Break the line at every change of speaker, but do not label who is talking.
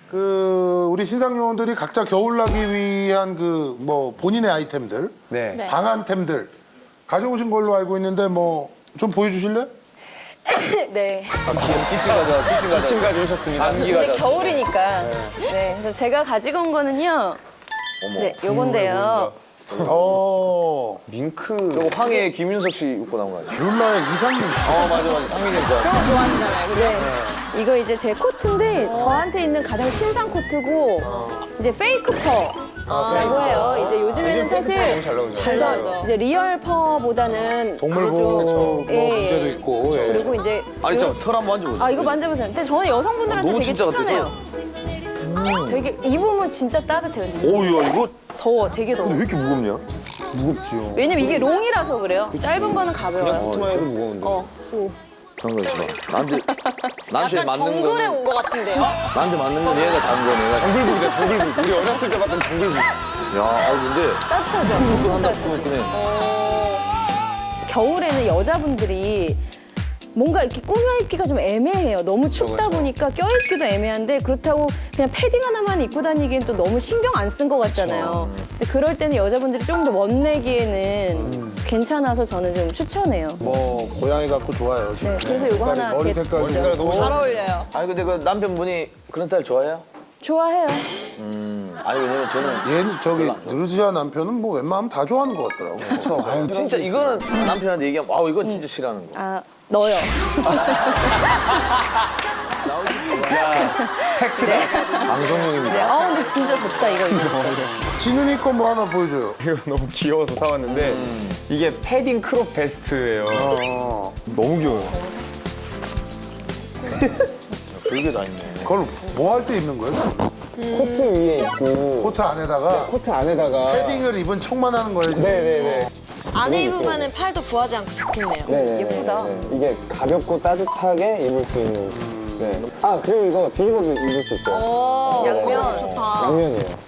우리 신상 요원들이 각자 겨울나기 위한 뭐 본인의 아이템들,
네.
방한템들 가져오신 걸로 알고 있는데 뭐 좀 보여주실래?
네.
기침 가져오셨습니다.
이제 겨울이니까. 네. 그래서 제가 가지고 온 거는요. 네, 요건데요.
밍크.
저거 황해 김윤석 씨 입고 나온 거 아니야?
룰라의 이상민 씨.
맞아. 상민이 거.
그런 거 좋아하시잖아요. 그죠? 네. 이거 이제 제 코트인데 저한테 있는 가장 신상 코트고 이제 페이크 퍼라고 해요. 이제 요즘에는 사실
잘 나오죠.
그래서 이제 리얼 퍼보다는
동물보호 뭐
예,
문제도 있고. 예.
그리고 이제
아니 털 한번 만져보세요.
아 이거 만져보세요. 근데 저는 여성분들한테
너무
되게
진짜
추천해요. 되게 입으면 진짜 따뜻해요. 근데
오야 이거
더워, 되게 더워.
왜 이렇게 무겁냐?
무겁지요.
왜냐면 이게 롱이라서 그래요. 짧은 거는 가벼워요.
투마해도 무거운데.
오.
잠깐 있어봐. 나한테
약간
맞는
정글에
거는
온 것 같은데요?
나한테 맞는 건 얘가 작은 거네. 얘가 작은
정글북이다, 정글북. 우리 어렸을 때 봤던 정글북.
야, 근데
따뜻하죠?
한다
따뜻하죠?
꾸며꾸네.
겨울에는 여자분들이 뭔가 이렇게 꾸며 입기가 좀 애매해요. 너무 춥다 보니까 껴입기도 애매한데 그렇다고 그냥 패딩 하나만 입고 다니기엔 또 너무 신경 안 쓴 것 같잖아요. 근데 그럴 때는 여자분들이 좀 더 멋내기에는 괜찮아서 저는 좀 추천해요.
뭐 고양이 같고 좋아요. 지금.
네, 그래서 이거 하나
머리
이렇게
색깔
색깔 너무
잘 어울려요.
아니 근데 그 남편분이 그런 스타일 좋아해요?
좋아해요.
아니 왜냐면 저는
얘는 누르지아 남편은 뭐 웬만하면 다 좋아하는 것 같더라고.
진짜 이거는 남편한테 얘기하면 와우 이건 진짜 싫어하는 거.
아, 너요.
방송용입니다.
네. 근데 진짜 덥다, 이거.
진훈이 거 뭐 하나 보여줘요.
이거 너무 귀여워서 사왔는데 이게 패딩 크롭 베스트예요. 너무 귀여워요.
별게 다 있네.
그걸 뭐 할 때 입는 거예요?
코트 위에 있고
코트 안에다가
코트 안에다가
패딩을 입은 척만 하는 거예요. 지금?
네네네.
안에 입으면 팔도 부하지 않고 좋겠네요.
네네.
예쁘다.
이게 가볍고 따뜻하게 입을 수 있는. 네. 아 그리고 이거 뒤집어서 입을 수 있어요.
오,
양면.
좋다.
양면이에요.